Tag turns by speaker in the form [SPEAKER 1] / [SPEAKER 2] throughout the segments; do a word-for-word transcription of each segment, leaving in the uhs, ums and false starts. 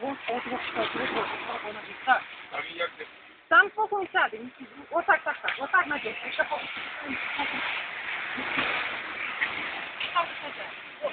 [SPEAKER 1] От, от, от, от, от, от, так.
[SPEAKER 2] А він як ти?
[SPEAKER 1] Там спокійно сяде. Отак, так, так. Отак на десь. Ще поки. Так, сяде. От.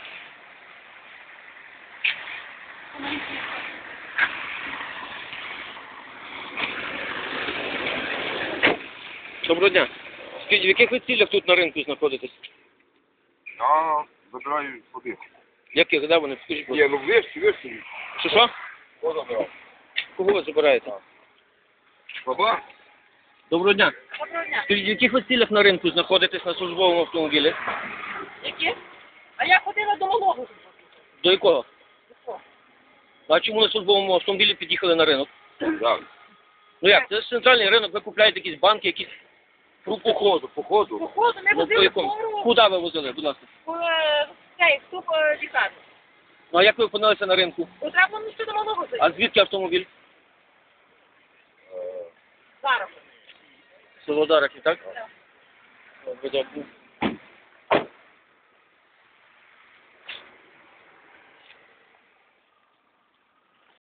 [SPEAKER 3] Доброго дня. Скажіть, в яких ви цілях тут на ринку знаходитесь?
[SPEAKER 2] Я забираю води.
[SPEAKER 3] Яких? Де вони? Скажіть, будь
[SPEAKER 2] Ні,
[SPEAKER 3] ласка.
[SPEAKER 2] ну вишки, вишки.
[SPEAKER 3] Що, що?
[SPEAKER 2] Хто забирав?
[SPEAKER 3] Кого ви забираєте?
[SPEAKER 2] Баба?
[SPEAKER 3] Доброго дня.
[SPEAKER 1] Доброго дня.
[SPEAKER 3] Скажіть, в яких ви цілях на ринку знаходитесь на службовому автомобілі?
[SPEAKER 1] Які? А я ходила до малого.
[SPEAKER 3] До якого?
[SPEAKER 1] До
[SPEAKER 3] А чому на службовому автомобілі під'їхали на ринок?
[SPEAKER 2] Так.
[SPEAKER 3] Ну як, це ж центральний ринок, ви купляєте якісь банки, якісь фрукти.
[SPEAKER 2] Походу, походу.
[SPEAKER 1] Походу ми
[SPEAKER 3] Ну, по
[SPEAKER 1] возили
[SPEAKER 3] якому?
[SPEAKER 1] скору
[SPEAKER 3] Куди ви возили, будь ласка?
[SPEAKER 1] в цей вступ лікарні.
[SPEAKER 3] Ну а як ви опинилися на ринку?
[SPEAKER 1] Треба було ще до малого зайти.
[SPEAKER 3] А звідки автомобіль?
[SPEAKER 1] Зараз.
[SPEAKER 3] Село Дарахів, так?
[SPEAKER 1] Так.
[SPEAKER 3] Добре, дякую.